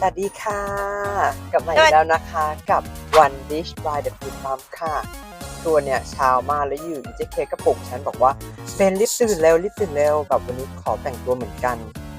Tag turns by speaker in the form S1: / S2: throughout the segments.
S1: วัสดีค่ะกลับมาอีกแล้วนะคะกับ One Dish by the Food Mom ค่ะตัวเนี่ยเช้ามากแล้วอยู่เจ๊เคก็ปลุกฉันบอกว่าเป็นรีบตื่นเร็วแบบวันนี้ขอแต่งตัวเหมือนกัน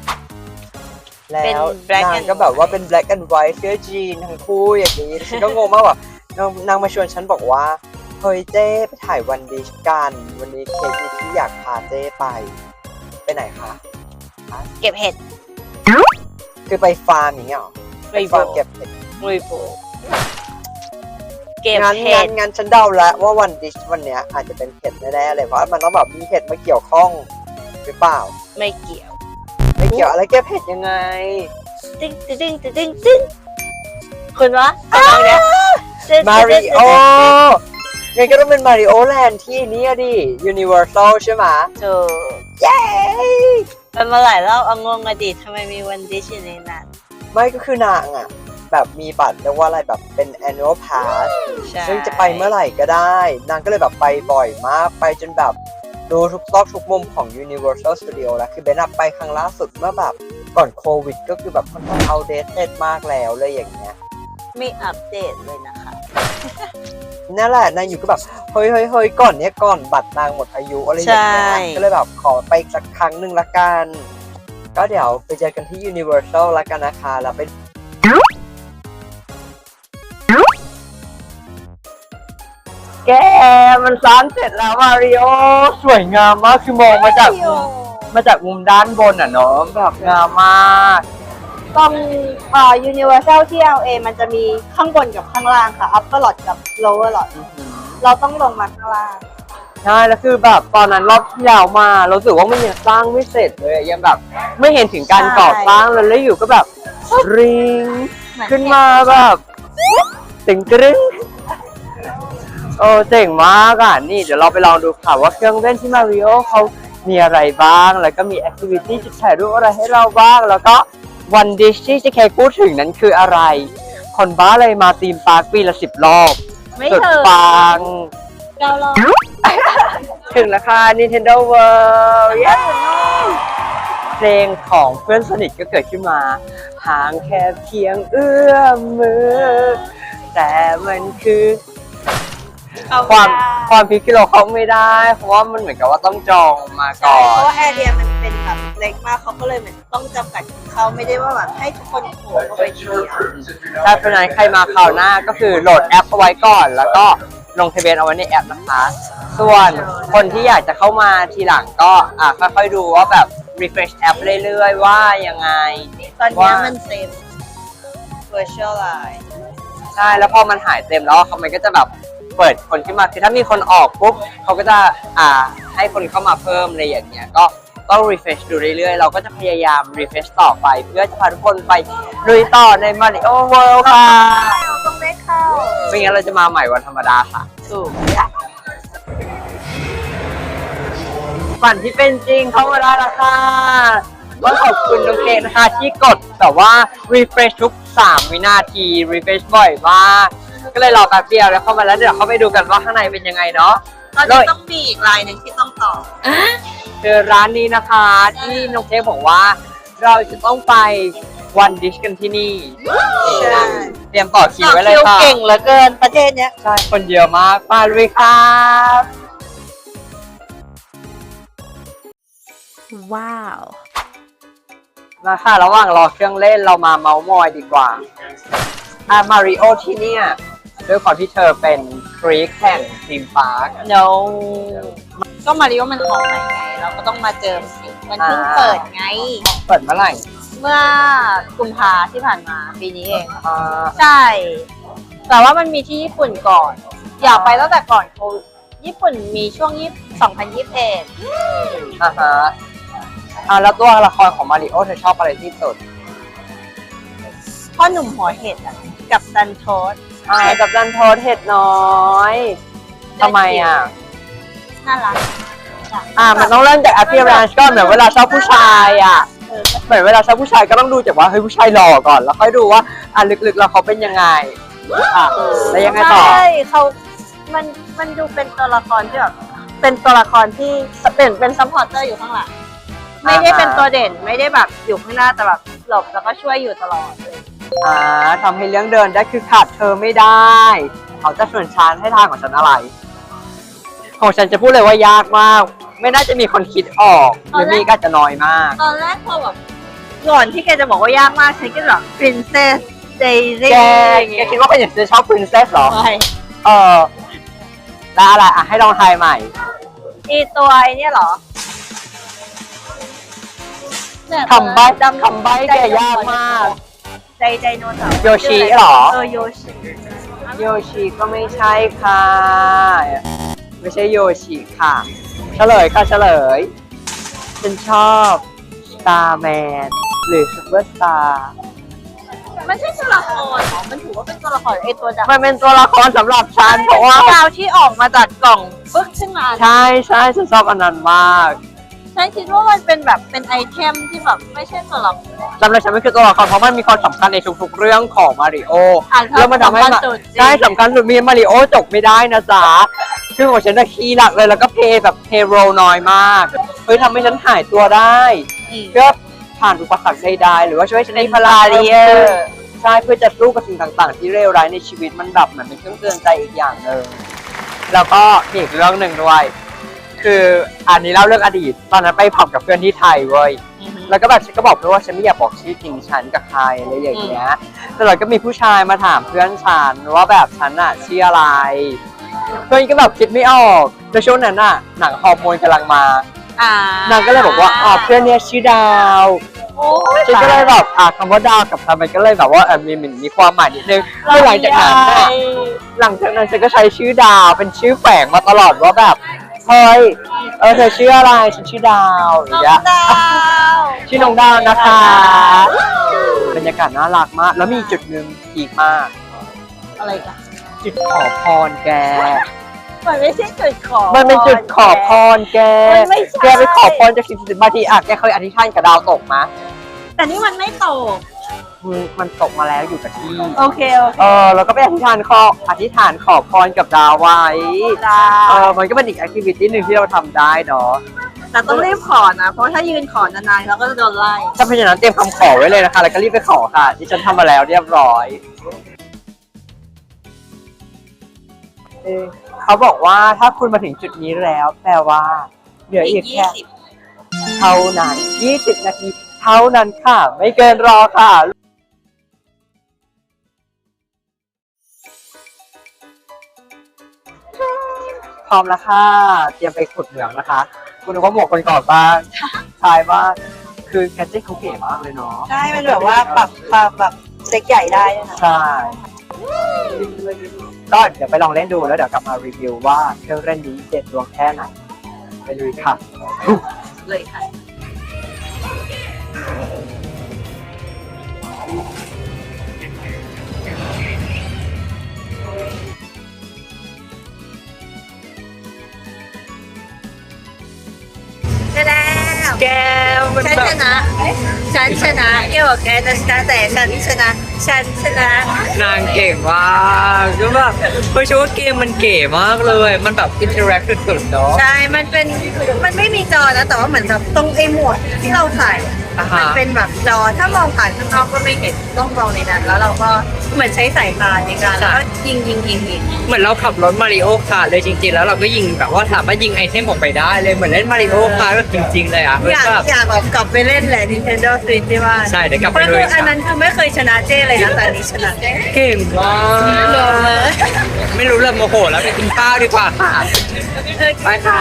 S1: แล้วนางก็แบบว่าเป็น black and white เสื้อจีนทั้งคู่อย่างนี้ฉันก็งงมากว่านางมาชวนฉันบอกว่าเฮ้ยเจ๊ไปถ่าย One Dish กันวันนี้เคมีที่อยากพาเจ๊ไปไหนคะ
S2: เก็บเห็ด
S1: คือไปฟาร์มอย่างเงี้ยหรอไปฟาร์มเก็บเห็ด
S2: เก็บเห็ด
S1: งั้นฉันเดาแล้วว่าวันดิชวันเนี้ยอาจจะเป็นเห็ดแน่ๆเลยเพราะมันต้องแบบมีเห็ดมาเกี่ยวข้องหรือเปล่า
S2: ไม่เกี่ยว
S1: อะไรเก็บเห็ดยังไง
S2: ตึ้งคุณวะ
S1: มาริโองั้นก็ต้องเป็นมาริโอแลนด์ที่นี่ดิยูนิเวอร์แซลใช่ไหม
S2: ถูก
S1: เย้
S2: เป็นมาหลายรอบงงอดีตทำไมมีวันดิชอยู่ในนั้น
S1: ไม่ก็คือนางอ่ะแบบมีบัตรเรียกว่าอะไรแบบเป็น annual pass ซึ่งจะไปเมื่อไหร่ก็ได้นางก็เลยแบบไปบ่อยมากไปจนแบบดูทุกซอกทุกมุมของ Universal Studio แล้วคือเบนไปครั้งล่าสุดเมื่อแบบก่อนโควิดก็คือแบบค่อนข้างoutdatedมากแล้วเลยอย่างเงี้ย
S2: ไม่อัปเดตเลยนะคะ
S1: นั่นแหละนางอยู่ก็แบบเฮ้ยก่อนบัตรนางหมดอายุอะไรอย่างเงี้ยก็เลยแบบขอไปอีกสักครั้งหนึ่งละกันก็เดี๋ยวไปเจอกันที่ Universal ละกันนะคะแล้วไปแกมันร้านเสร็จแล้วมาริโอสวยงามมากคือมองมาจากมุมด้านบนอ่ะเนาะแบบงามมาก
S2: ตรงUniversal ที่ LA มันจะมีข้างบนกับข้างล่างค่ะ Upper Lot กับ Lower Lot เราต้องลงมาข้างล่าง
S1: ใช่แล้วคือแบบตอนนั้นรอบที่แล้วมาเราสึกว่ามันยังสร้างไม่เสร็จเลยยังแบบไม่เห็นถึงการก่อสร้างเลยแล้วอยู่ก็แบบริงขึ้นมาแบบตึงกรึ้งโอ้เจ๋งมากอ่ะนี่เดี๋ยวเราไปลองดูค่ะว่าเครื่องเล่นที่มาริโอเขามีอะไรบ้างแล้วก็มีแอคทิวิตี้จุดถ่ายรูปอะไรให้เราบ้างแล้วก็วันดิชที่เจ๊เคพูดถึงนั้นคืออะไรคนบ้าเลยมาธีมปาร์คปีละ10 รอบสุดปัง
S2: 9 รอบ
S1: ถึงแล้วค่ะ Nintendo World เพลงของเพื่อนสนิทก็เกิดขึ้นมาห่างแค่เพียงเอื้อมมือแต่มันคือความพิกที่เราเข้าไม่ได้เพราะว่ามันเหมือนกับว่าต้องจองมาก่อน
S2: เพราะว่าแอเรียมันเป็นแบบเล็กมากเขาก็เลยเหมือนต้องจำกัดเขาไม่ได้ว่าแบบให้ทุกคนโผล่เข้าไปทีเดียว
S1: ถ้าเป็นนั้นใครมาคราวหน้าก็คือโหลดแอปเอาไว้ก่อนแล้วก็ลงทะเบียนเอาไว้ในแอปนะคะส่วนคนที่อยากจะเข้ามาทีหลังก็ค่อยๆดูว่าแบบ refresh แอปเรื่อยๆว่ายังไง
S2: ตอนนี้มันเต็ม virtual line
S1: ใช่แล้วพอมันหายเต็มแล้วมันก็จะแบบเปิดคนขึ้นมาคือถ้ามีคนออกปุ๊บเขาก็จะให้คนเข้ามาเพิ่มอะไรอย่างเงี้ยก็ต้อง refresh ดูเรื่อยๆเราก็จะพยายาม refresh ต่อไปเพื่อจะพาทุกคนไปลุยต่อใน Mario World ค่ะ
S2: ต้องได้เข้า
S1: ไม่งั้นเราจะมาใหม่วันธรรมดาค่ะ
S2: ถูก
S1: ฝันที่เป็นจริงเข้ามาได้แล้วค่ะต้องขอบคุณน้องเกดนะคะที่กดแต่ว่า refresh ทุก3 วินาที refresh บ่อยมากก็เลยรอแป๊บเดียวแล้วเข้ามาแล้วเดี๋ยวเข้าไปดูกันว่าข้างในเป็นยังไงเนาะ
S2: ตอนนี้ต้องมีอีกรายหนึ่งที่ต้องต่อ
S1: คือร้านนี้นะคะที่น้องเค้กบอกว่าเราจะต้องไปวันดิชกันที่นี่เตรียมต่อคิวไว้เลยค่ะ
S2: เก่งเหลือเกินประเทศเนี้ย
S1: ใช่คนเยอะมากไปเลยครับ
S2: ว้าว
S1: มาค่ะระหว่างรอเครื่องเล่นเรามาเมาส์มอยดีกว่ามาริโอที่เนี่ยด้วยความที่เธอเป็นฟรีคแห่งธีมพาร์ค
S2: no ก็มาริโอมันของใหม่ไงเราก็ต้องมาเจอสิมันเพิ่งเปิดไง
S1: เปิดเมื่อไหร่
S2: เมื่อกุมภาที่ผ่านมาปีนี้เองใช่แต่ว่ามันมีที่ญี่ปุ่นก่อนอยากไปตั้งแต่ก่อนโควิดญี่ปุ่นมีช่วง2021
S1: ฮะแล้วตัวละครของมาริโอเธอชอบอะไรที่สุด
S2: พ่อหนุ่มหัวเห็ดกับดันโทส
S1: กับดันโทสเห็ดน้อยทำไม
S2: น่ารัก
S1: มันต้องเริ่มจาก appearance ก่อนเหมือนเวลาชอบผู้ชายเหมือนเวลาชอบผู้ชายก็ต้องดูจากว่าเฮ้ยผู้ชายหล่อก่อนแล้วค่อยดูว่าลึกๆแล้วเขาเป็นยังไงแล้วยังไงต่อ
S2: ใช่มันดูเป็นตัวละครที่แบบเป็นตัวละครที่เป็นซัพพอร์เตอร์อยู่ข้างหลังไม่ได้เป็นตัวเด่นไม่ได้แบบอยู่ข้างหน้าแต่แบบหลบแล้วก็ช่วยอยู่ตลอดเลย
S1: ทำให้เรื่องเดินได้คือขาดเธอไม่ได้ เขาจะชวนฉันให้ทางของฉันอะไร ของฉันจะพูดเลยว่ายากมาก ไม่น่าจะมีคนคิดออกหรือมีก็จะน้อยมาก
S2: ตอนแรกพอแบบก่อนที่แกจะบอกว่ายากมากฉันก็แบบ Princess Daisy
S1: แกคิดว่าคนอื่นจะชอบ princess หรอ
S2: ใช่
S1: แล้วอะไรให้ลองทายใหม่
S2: อีตัวไอ้เนี่ยเหรอเนี่ย
S1: คำใบ้แกยากมาก
S2: ไดโนเสาร์
S1: โยชิเหรอ
S2: โยชิ
S1: โยชิก็ไม่ใช่ค่ะ ไม่ใช่โยชิค่ะ เฉลยค่ะเฉลย ฉันชอบ Starman หรือ Superstar
S2: มันใช่ตัวละครเหรอมันถือว่าเป็นตัวละครไอตัวดาว
S1: มันเป็นตัวละครสำหรับฉันเพราะว่า
S2: ดาวที่ออกมาจากกล่องปึ๊กขึ้นมา
S1: ใช่ฉันชอบอันนั้นมาก
S2: ฉันคิดว่ามันเป็นแบบเป็นไอเทมที่แบบไม่ใช่ตัวละคร
S1: สำหรับฉันมันคือตัวละครเพราะมันมีความสำคัญในทุกๆเรื่องของมาริโอ แล้วมันทำให้
S2: สำคัญสุด
S1: ใช่สำคัญสุดมีมาริโอจบไม่ได้นะจ๊ะคือของฉันจะคีย์หลักเลยแล้วก็เพย์แบบเพย์โรน้อยมากเฮ้ยทำให้ฉันหายตัวได้ เพื่อผ่านอุปสรรคใดๆหรือว่าช่วยให้ฉันมีพลังเยอะใช่เพื่อจะสู้กับสิ่งต่างๆ ที่เลวร้ายในชีวิตมันแบบเหมือนเป็นเครื่องเตือนใจอีกอย่างหนึ่งแล้วก็มีอีกเรื่องหนึ่งด้วย คืออันนี้เล่าเรื่องอดีตตอนนั้นไปผับกับเพื่อนที่ไทยเว้ยแล้วก็แบบฉันก็บอกเพื่อนว่าฉันไม่อยากบอกชื่อจริงฉันกับใครอะไรอย่างเงี้ยแต่เราก็มีผู้ชายมาถามเพื่อนฉันว่าแบบฉันอะชื่ออะไรเพื่อนก็แบบคิดไม่ออกในช่วงนั้นอะหนังฮอร์โมนกำลังมา นางก็เลยบอกว่าเพื่อนเนี่ยชื่อดาวฉันก็เลยแบบคำว่าดาวกับทำมันก็เลยแบบว่ามีความหมายนิดนึงแล้วหลังจากนั้นฉันก็ใช้ชื่อดาวเป็นชื่อแฝงมาตลอดว่าแบบเฮ้ยเธอชื่ออะไรฉันชื่อดาวอย่างเงี้ยชื่อน้องดาวนะคะบรรยากาศน่ารักมากแล้วมีจุดหนึ่งอีกมาก
S2: อะไรกัน
S1: จุดขอพรแก
S2: มันไม่ใช่จุดขอ
S1: มันเป็นจุดขอพรแก
S2: มันไม่ใช่
S1: แกไปขอพรจากสิ่งศักดิ์สิทธิ์บางทีแกเคยอธิษฐานกับดาวตกมะ
S2: แต่นี่มันไม่ตก
S1: มันตกมาแล้วอยู่กับที่
S2: โอเค
S1: แล้วก็ไปอธิษฐานขอพรกับดาวไว้ มันก็เป็นอีกแอคทิวิตี้หนึ่งที่เราทำได้เนาะ
S2: แต่ต้องรีบขอนะ เพราะถ้ายืนขอนานๆเราก็จะโดนไล่
S1: ถ้าเพราะฉะนั้นเตรียมคำขอไว้เลยนะคะ แล้วก็รีบไปขอค่ะที่ฉันทำมาแล้วเรียบร้อย เขาบอกว่าถ้าคุณมาถึงจุดนี้แล้วแปลว่าเหลืออีกแค่เท่านั้น20 นาทีเท่านั้นค่ะ ไม่เกินรอค่ะ พร้อมแล้วค่ะ เตรียมไปขุดเหมืองนะคะ คุณนึกว่าหมวกคนก่อนบ้างชายบ้างคือแคทเจ๊เขาเก๋มากเลยเนาะ
S2: ใช่ มันแบบว่าปรับแบบเซ็กใหญ่ได้นะ
S1: ใช่ก็เดี๋ยวไปลองเล่นดูแล้วเดี๋ยวกลับมารีวิวว่าเครื่องเล่นนี้เด็ดดวงแค่ไหนไปดูค่ะ
S2: เลยค่ะ
S1: แก้วมัน
S2: ฉัน
S1: แบบ
S2: ชนะฉันชนะเกี่ยวกับแกนะชนะแต่ฉันชนะ
S1: นางเก่งมากก็แบบเพราะว่าเกมมันเก๋มากเลยมันแบบอินเทอร์แอคสุดๆเนาะ
S2: ใช่ มันไม่มีจอนะ แต่ว่าเหมือนแบบตรงไอ้หมวดที่เราใส่ มันเป็นแบบจอ ถ้ามองผ่านข้างนอกก็ไม่เห็นต้องมองในนั้น แล้วเราก็เหมือนใช้สายตาในการแล้วก็ยิง
S1: เหมือนเราขับรถมาริโอคาร์เลยจริงๆแล้วเราก็ยิงแบบว่าสามารถยิงไอเทมออกไปได้เลยเหมือนเล่นมาริโอคาร์แบบจริงๆเลยอ่ะ
S2: อยากแบบกลับไปเล่นแหละ Nintendo Switch ที่บ้าน
S1: ใช่เดี๋ยวกลับ
S2: เพ
S1: ไป
S2: ราะ
S1: เลย
S2: อันนั้นคือไม่เคยชนะเจ้เลยนะแต่อันนี้ชนะเจ้
S1: เก่งมากไม่รู้เลยโมโหแล้วไปกินข้าวดีกว่าค่ะไปค่ะ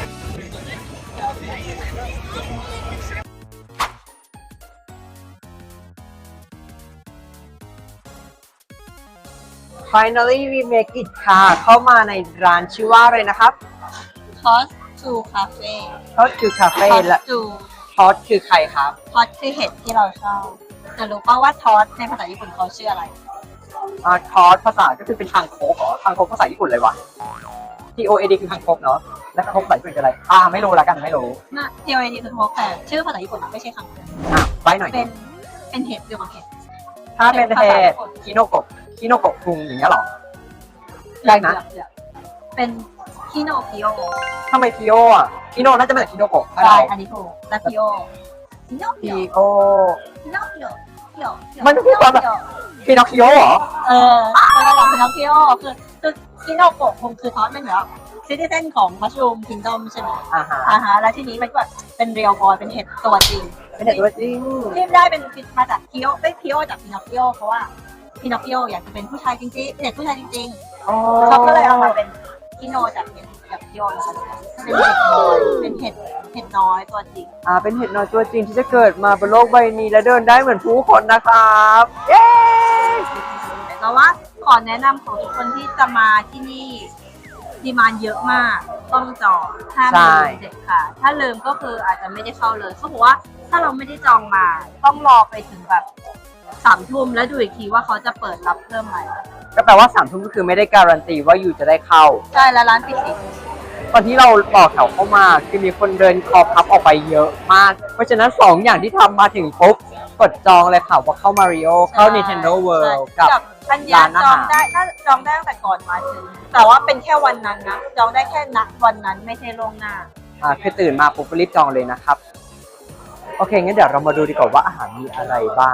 S1: Finally we make it ค่ะ เข้ามาในร้านชื่อว่าอะไรนะครับ
S2: Toss to Cafe
S1: ทอดคือคาเฟ่และ
S2: to
S1: ทอดคือใครครับ
S2: Toss คือเห็ดที่เราชอบแต่รู้ป่าวว่า Toss ในภาษาญี่ปุ่นเขาชื่ออะไร
S1: ทอดภาษาก็คือเป็นคางคกเหรอคางคกภาษาญี่ปุ่นเลยวะ TOAD คือคางคกเนาะแล้วคางคกภาษาญี่ปุ่นคืออะไรไม่รู้ละกันไม่รู้
S2: น่ะ TOD คือ Toss แต่ชื่อภาษาญี่ปุ่นไม่ใช่คำ
S1: ไปหน่อย
S2: เป็นเห็ดเกี่ยวกับเห็ด
S1: ถ้าเป็นเทศคิโนโกะคุงอย่างเงี้ยหรอได้นะ
S2: เป็นคิโนพิโอ
S1: ทำไมคิโอคิโนน่าจะมาจากคิโนโกะ
S2: ใช่อันนี้ถูกและพิโอคิโนพิ
S1: พี
S2: โอ
S1: โอ
S2: คิโนพิโอคียว
S1: มันคือความแบบพีนอคคิโอเหรอ
S2: มันระดับพินอคคิโอคือคิโนโกะคงคือทอสมันเหรอซิติเซนของมัชรูมคิงดอมใช่ไหม
S1: อ่าฮะ
S2: แล้วทีนี้มันก็แบบเป็นเรียลบอยเป็นเห็ดตัวจริง
S1: เป็นเด็กตัวจริง
S2: ที่ได้เป็นมาจากคิโอเป็นคิโอจากพินอคคิโอเพราะว่าพินอคคิโออยากจะเป็นผู้ชายจริงๆเป็นเด็กผู้ชายจริง
S1: อ๋อ
S2: ๆเขาก็เลยเอามาเป็นคิโนจากเห็ดจากคิโอนะคะเป็นเห็ดน้อยเป็นเห็ดน้อยตัวจริง
S1: เป็นเห็ดน้อยตัวจริงที่จะเกิดมาบนโลกใบนี้และเดินได้เหมือนผู้คนนะครับ เย้
S2: แต่ว่าขอแนะนำของทุกคนที่จะมาที่นี่ดีมานด์เยอะมากต้องจองห้ามลืมเด็ดค่ะ ถ้าลืมก็คืออาจจะไม่ได้เข้าเลยเขาบอกว่าถ้าเราไม่ได้จองมาต้องรอไปถึงแบบ3 ทุ่มแล้วดูอีกทีว่าเขาจะเปิดรับเพิ่มไหม
S1: ก็แปลว่า3 ทุ่มก็คือไม่ได้การันตีว่าอยู่จะได้เข้า
S2: ใช่แล้วร้านปิดสิ
S1: ตอนที่เราต่อแถวเข้ามาคือมีคนเดินคอพับออกไปเยอะมาก เพราะฉะนั้น2 อย่างที่ทำมาถึงปุ๊บกดจองเลยค่ะว่าเข้า Mario เข้า Nintendo World กับ
S2: อันเนี้ยจองได้ถ้าจองได้ตั้งแต่ก่อนมาถึงแต่ว่าเป็นแค่วันนั้นนะจองได้แค่ณวันนั้นไม่ใช่ล่วงหน้า
S1: คือตื่นมาปุ๊บรีบจองเลยนะครับ โอเค งั้นเดี๋ยวเรามาดูดีกว่าว่าอาหารมีอะไรบ้าง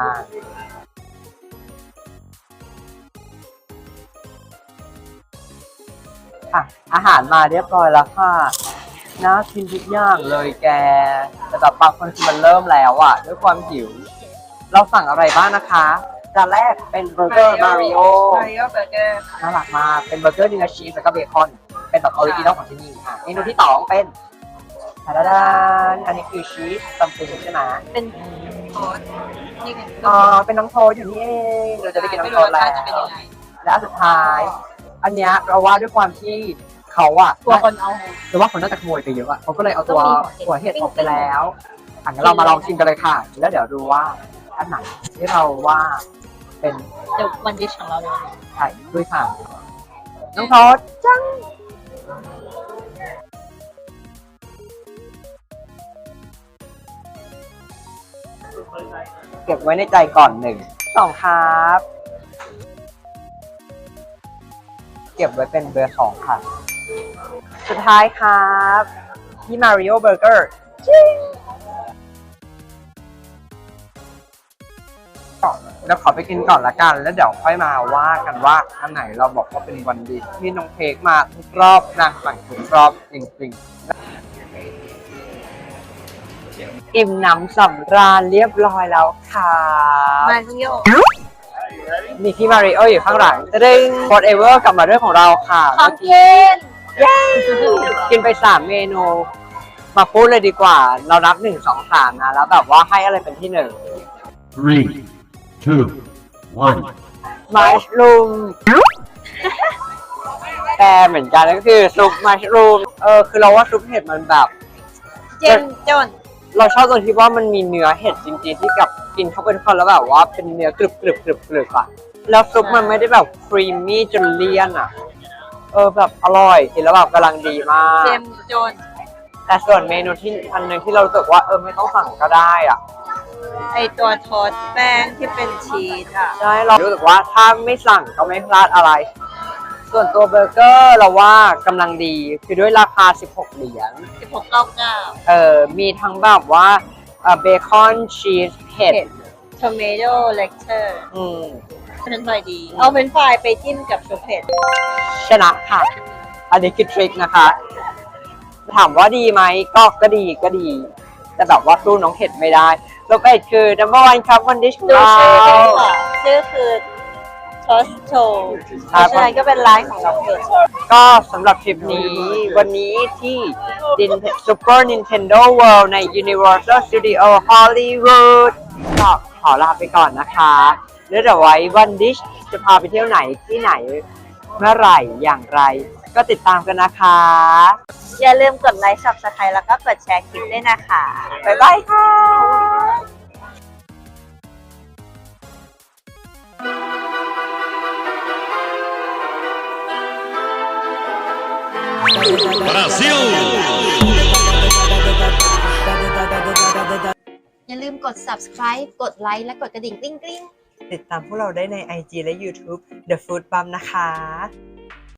S1: อาหารมาเรียบร้อยแล้วค่ะน่ากินทุกอย่างเลยแก แต่แบบบางคนคือมันเริ่มแล้วอ่ะ ด้วยความหิว เราสั่งอะไรบ้างนะคะจานแรกเป็นเบอร์เกอร์มาริโอ
S2: Mario Burger
S1: น่ารักมากเป็นเบอร์เกอร์เนื้อชีสแล้วก็เบคอน เป็นแบบออริจินอลของที่นี่ค่ะเมนูที่2เป็นทาดานอันนี้คือชีสซัมติงใช่ไหม
S2: เป็นโค้ดนี่เป็น
S1: เป็นน้องโทสอย่างนี้เองเราจะได้กินน้องโทสแล้ว
S2: จะเป็นยังไง
S1: และอันสุดท้าย อันเนี้ยเราว่าด้วยความที่เขาอะ
S2: ตัวคนเอา
S1: หรือว่าคนน่าจะขโมยไปเยอะอะเขาก็เลยเอาตัว
S2: ต้องมีหั
S1: หัว
S2: วเห็
S1: เห็
S2: ด
S1: ดออกไปแล้วงั้นเรามาลองชิมกันเลยค่ะ แล้วเดี๋ยวดูว่าอันไหนที่เราว่าเป็น
S2: เดี๋ยววันดิชของเราเลย
S1: ไข่ด้วยค่ะน้องโทสจังเก็บไว้ในใจก่อน1 2ครับ เก็บไว้เป็นเบอร์2ค่ะ สุดท้ายครับที่ Mario Burger เดี๋ยวขอไปกินก่อนละกัน แล้วเดี๋ยวค่อยมาว่ากันว่าอันไหนเราบอกว่าเป็นวันดีที่น้องเค้กมาทุกรอบนางสั่งทุกรอบจริงๆ อิ่มหนำสำราญเรียบร้อยแล้วค่ะ
S2: มาริโอ
S1: มีพี่มาริโออยู่ข้างหลังจะได้ whatever กลับมาเรื่องของเราค่ะ
S2: ของกิน
S1: เย้กินไป3 เมนู มาพูดเลยดีกว่า เรานับ1 2 3นะแล้วแบบว่าให้อะไรเป็นที่
S3: Three, two, one.
S1: 1มัชรูมแต่เหมือนกันก็คือซุปมัชรูมคือเราว่าซุปเห็ดมันแบบ
S2: เจนจน
S1: เราชอบตรงที่ว่ามันมีเนื้อเห็ดจริงๆที่กับกินเข้าไปทุกคนแล้วแบบว่าเป็นเนื้อกรึบกรึบกรึบกรึบอะแล้วซุปมันไม่ได้แบบครีมมี่จนเลี่ยนอะแบบอร่อยกินแล้วแบบกำลังดีมาก
S2: เจมจน
S1: แต่ส่วนเมนูที่อันหนึงที่เรารู้สึกว่าไม่ต้องสั่งก็ได้อะ
S2: ไอตัวทอดแป้งที่เป็นชีสอ่ะ
S1: ใช่เรารู้สึกว่าถ้าไม่สั่งก็ไม่พลาดอะไร ส่วนตัวเบอร์เกอร์เราว่ากำลังดีคือด้วยราคา16 เหรียญ
S2: 16.99
S1: มีทั้งแบบว่าเบคอนชีสเห็ด
S2: ทอมเมโดเลคเชอร์
S1: อืม
S2: เป็นไฟดี เอาเป็นไฟรายไปจิ้มกับชุบเผ็ด
S1: ชนะค่ะ อันนี้คือทริคนะคะ ถามว่าดีไหมก็ดีก็ดี แต่แบบว่าสู้น้องเห็ดไม่ได้แล้วก็คือ number 1 ครับวันดิชของ
S2: ดู
S1: เรา
S2: ชื่อด้วยค่ะชื่อคือทอสโชเพราะฉะนั้นก็เป็นร้านของน้องเผ็ด
S1: ก็สำหรับทริปนี้วันนี้ที่ Super Nintendo World ใน Universal Studio Hollywood ก็ขอลาไปก่อนนะคะแล้วเดี๋ยวไว้วันดิชจะพาไปเที่ยวไหนที่ไหนเมื่อไหร่อย่างไร ก็ติดตามกันนะคะ
S2: อย่าลืมกดไลค์ Subscribe แล้วก็กดแชร์คลิปด้วยนะคะ
S1: บ๊ายบายค่ะ
S3: Brasil!
S4: อย่าลืมกด subscribe กดไลค์และกดกระดิ่งกริ๊งกริ๊ง
S1: ติดตามพวกเราได้ใน IG และ YouTube The Food Bum นะคะ